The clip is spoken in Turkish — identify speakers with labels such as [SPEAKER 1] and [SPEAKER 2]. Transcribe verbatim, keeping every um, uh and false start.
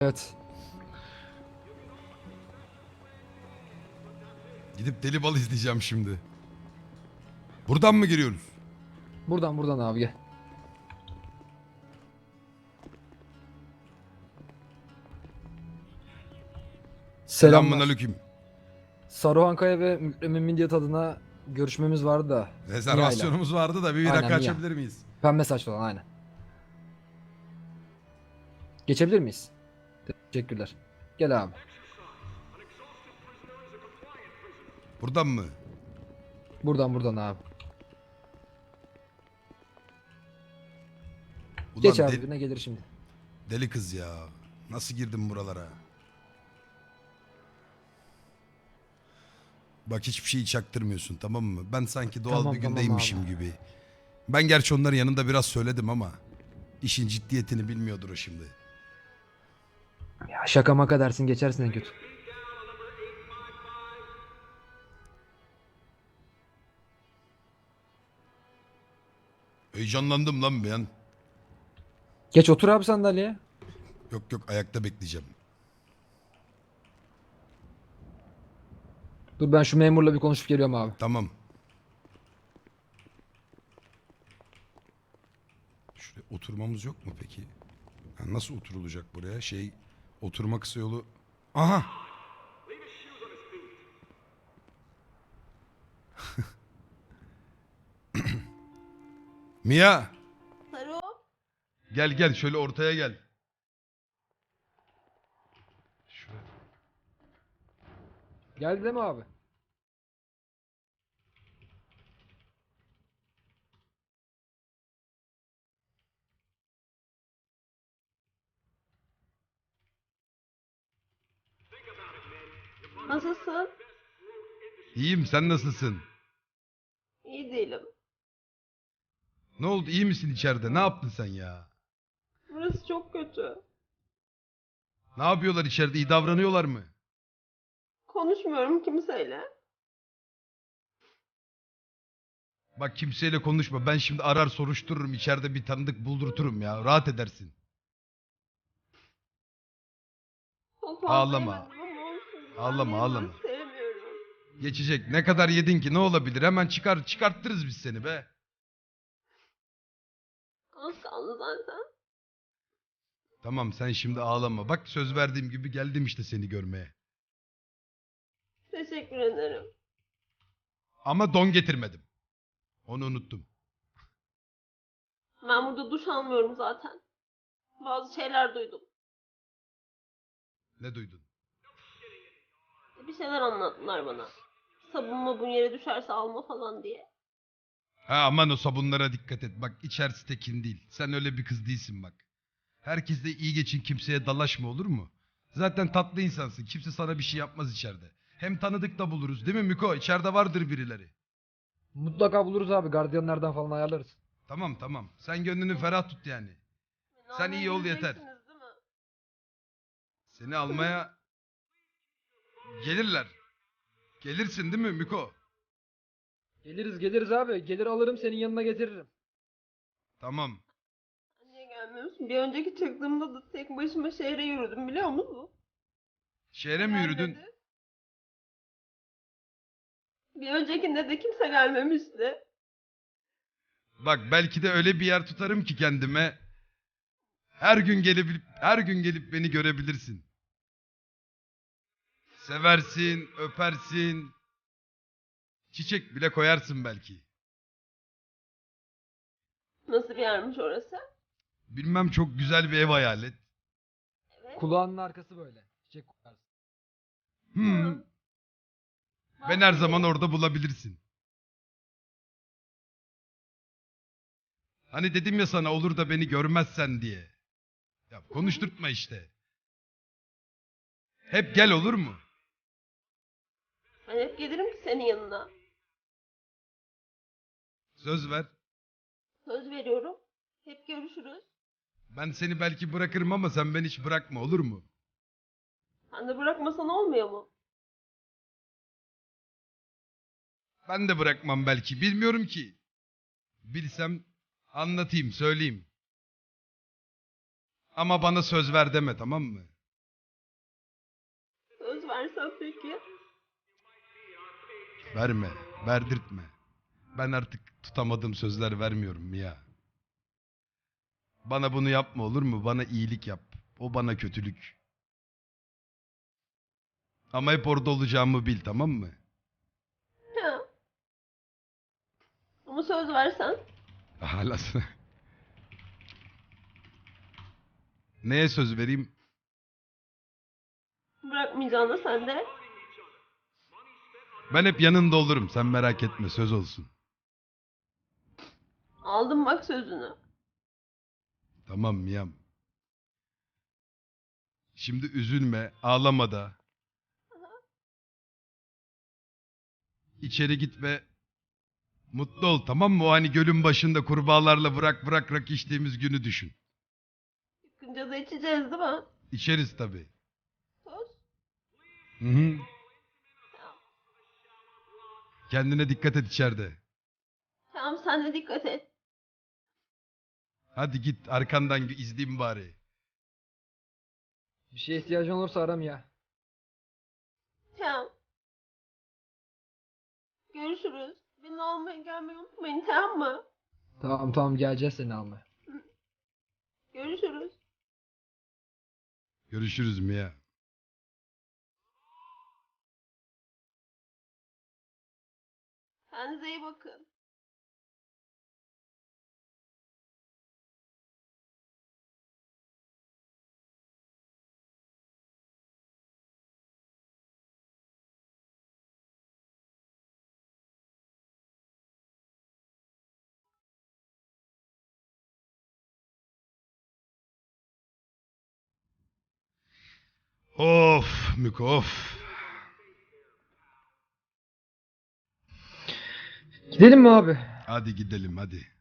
[SPEAKER 1] Evet.
[SPEAKER 2] Gidip Deli Bal izleyeceğim şimdi. Buradan mı giriyoruz?
[SPEAKER 1] Buradan buradan abi gel.
[SPEAKER 2] Selamun
[SPEAKER 1] Selamlar.
[SPEAKER 2] aleyküm.
[SPEAKER 1] Saruhan Kaya ve Mükremin Midyat adına görüşmemiz vardı da. Mia'yla.
[SPEAKER 2] Rezervasyonumuz vardı da bir, bir
[SPEAKER 1] Aynen,
[SPEAKER 2] rakı
[SPEAKER 1] Mia.
[SPEAKER 2] açabilir miyiz?
[SPEAKER 1] Pembe saçlı olan aynen. Geçebilir miyiz? Teşekkürler. Gel abi.
[SPEAKER 2] Buradan mı?
[SPEAKER 1] Buradan buradan abi.
[SPEAKER 2] Ulan
[SPEAKER 1] Geç abi
[SPEAKER 2] de-
[SPEAKER 1] birine gelir şimdi.
[SPEAKER 2] deli kız ya. Nasıl girdim buralara? Bak hiçbir şeyi çaktırmıyorsun, tamam mı? Ben sanki doğal
[SPEAKER 1] Tamam,
[SPEAKER 2] bir
[SPEAKER 1] tamam
[SPEAKER 2] gündeymişim
[SPEAKER 1] abi.
[SPEAKER 2] gibi. Ben gerçi onların yanında biraz söyledim ama işin ciddiyetini bilmiyordur o şimdi.
[SPEAKER 1] Ya şaka maka dersin geçersin en kötü.
[SPEAKER 2] Heyecanlandım lan ben.
[SPEAKER 1] Geç otur abi sandalyeye.
[SPEAKER 2] Yok yok, ayakta bekleyeceğim.
[SPEAKER 1] Dur ben şu memurla bir konuşup geliyorum abi.
[SPEAKER 2] Tamam. Şuraya oturmamız yok mu peki? Ha, nasıl oturulacak buraya? Şey, oturma kısa yolu. Aha! Mia!
[SPEAKER 3] Saru,
[SPEAKER 2] Gel gel, şöyle ortaya gel. Şuraya.
[SPEAKER 1] Geldi değil mi abi?
[SPEAKER 3] nasılsın?
[SPEAKER 2] İyiyim, sen nasılsın?
[SPEAKER 3] İyi değilim.
[SPEAKER 2] Ne oldu, iyi misin içeride? Ne yaptın sen ya?
[SPEAKER 3] Burası çok kötü.
[SPEAKER 2] Ne yapıyorlar içeride? İyi davranıyorlar mı?
[SPEAKER 3] Konuşmuyorum kimseyle.
[SPEAKER 2] Bak, kimseyle konuşma. Ben şimdi arar soruştururum. İçeride bir tanıdık buldurturum ya. Rahat edersin.
[SPEAKER 3] Çok fazla
[SPEAKER 2] Ağlama.
[SPEAKER 3] yemedim ama olsun.
[SPEAKER 2] Ağlama,
[SPEAKER 3] Ben
[SPEAKER 2] ağlama.
[SPEAKER 3] sevmiyorum.
[SPEAKER 2] Geçecek. Ne kadar yedin ki, ne olabilir? Hemen çıkar çıkarttırırız biz seni be.
[SPEAKER 3] Az kaldı zaten.
[SPEAKER 2] Tamam, sen şimdi ağlama. Bak, söz verdiğim gibi geldim işte seni görmeye.
[SPEAKER 3] Teşekkür ederim.
[SPEAKER 2] Ama don getirmedim. Onu unuttum.
[SPEAKER 3] Ben burada duş almıyorum zaten. Bazı şeyler duydum.
[SPEAKER 2] Ne duydun?
[SPEAKER 3] Bir şeyler anlattılar bana. Sabun mabun yere düşerse alma falan diye.
[SPEAKER 2] Ha, aman o sabunlara dikkat et. Bak, içerisi tekin değil. Sen öyle bir kız değilsin bak. Herkesle iyi geçin, kimseye dalaşma, olur mu? Zaten tatlı insansın. Kimse sana bir şey yapmaz içeride. Hem tanıdık da buluruz, değil mi Miko? İçeride vardır birileri.
[SPEAKER 1] Mutlaka buluruz abi. Gardiyanlardan falan ayarlarız.
[SPEAKER 2] Tamam tamam. Sen gönlünü ferah tut yani.
[SPEAKER 3] Beni
[SPEAKER 2] Sen iyi ol
[SPEAKER 3] almaya
[SPEAKER 2] yeter.
[SPEAKER 3] geleceksiniz, değil mi?
[SPEAKER 2] Seni almaya gelirler. Gelirsin değil mi Miko?
[SPEAKER 1] Geliriz geliriz abi. Gelir alırım senin yanına getiririm.
[SPEAKER 2] Tamam.
[SPEAKER 3] Niye gelmiyorsun? Bir önceki çıktığımda da tek başıma şehre yürüdüm biliyor musun?
[SPEAKER 2] Şehre mi
[SPEAKER 3] Gel
[SPEAKER 2] yürüdün?
[SPEAKER 3] dedi. Bir öncekinde de kimse gelmemişti.
[SPEAKER 2] Bak, belki de öyle bir yer tutarım ki kendime. Her gün gelip her gün gelip beni görebilirsin. Seversin, öpersin. Çiçek bile koyarsın belki.
[SPEAKER 3] Nasıl bir yermiş orası?
[SPEAKER 2] Bilmem, çok güzel bir ev hayal et.
[SPEAKER 3] Evet.
[SPEAKER 1] Kulağının arkası böyle. Çiçek kokarsın.
[SPEAKER 2] Hmm. Ben her zaman orada bulabilirsin. Hani dedim ya sana, olur da beni görmezsen diye. Ya konuşturtma işte. Hep gel, olur mu?
[SPEAKER 3] Ben hep gelirim ki senin yanına.
[SPEAKER 2] Söz ver.
[SPEAKER 3] Söz veriyorum. Hep görüşürüz.
[SPEAKER 2] Ben seni belki bırakırım ama sen beni hiç bırakma, olur mu?
[SPEAKER 3] Sen de bırakmasan olmuyor mu?
[SPEAKER 2] Ben de bırakmam belki, bilmiyorum ki. Bilsem anlatayım, söyleyeyim. Ama bana söz ver deme, tamam mı?
[SPEAKER 3] peki?
[SPEAKER 2] Verme, verdirtme. Ben artık tutamadığım sözler vermiyorum Mia. Bana bunu yapma olur mu? Bana iyilik yap. O bana kötülük. Ama hep orada olacağımı bil, tamam mı?
[SPEAKER 3] Ya. Ama söz versen.
[SPEAKER 2] Hala sana- Neye söz vereyim?
[SPEAKER 3] Bırakmayacağına sen de.
[SPEAKER 2] Ben hep yanında olurum. Sen merak etme, söz olsun.
[SPEAKER 3] Aldım bak sözünü.
[SPEAKER 2] Tamam Mia'm. Şimdi üzülme, ağlama da. İçeri git ve mutlu ol, tamam mı? O hani gölün başında kurbağalarla bırak bırak rak içtiğimiz günü düşün.
[SPEAKER 3] Çıkınca da içeceğiz değil mi?
[SPEAKER 2] İçeriz tabii.
[SPEAKER 3] Söz.
[SPEAKER 2] Hı hı. Kendine dikkat et içeride.
[SPEAKER 3] Tamam sen de dikkat et.
[SPEAKER 2] Hadi git arkandan izleyeyim bari.
[SPEAKER 1] Bir şeye ihtiyacın olursa aram ya.
[SPEAKER 3] Tamam. Görüşürüz. Beni almaya gelmeyi unutmayın tamam mı?
[SPEAKER 1] Tamam tamam geleceğiz seni almaya.
[SPEAKER 3] Görüşürüz.
[SPEAKER 2] Görüşürüz Mia.
[SPEAKER 3] Kendinize iyi bakın.
[SPEAKER 2] Of Miko of.
[SPEAKER 1] Gidelim mi abi?
[SPEAKER 2] Hadi gidelim hadi.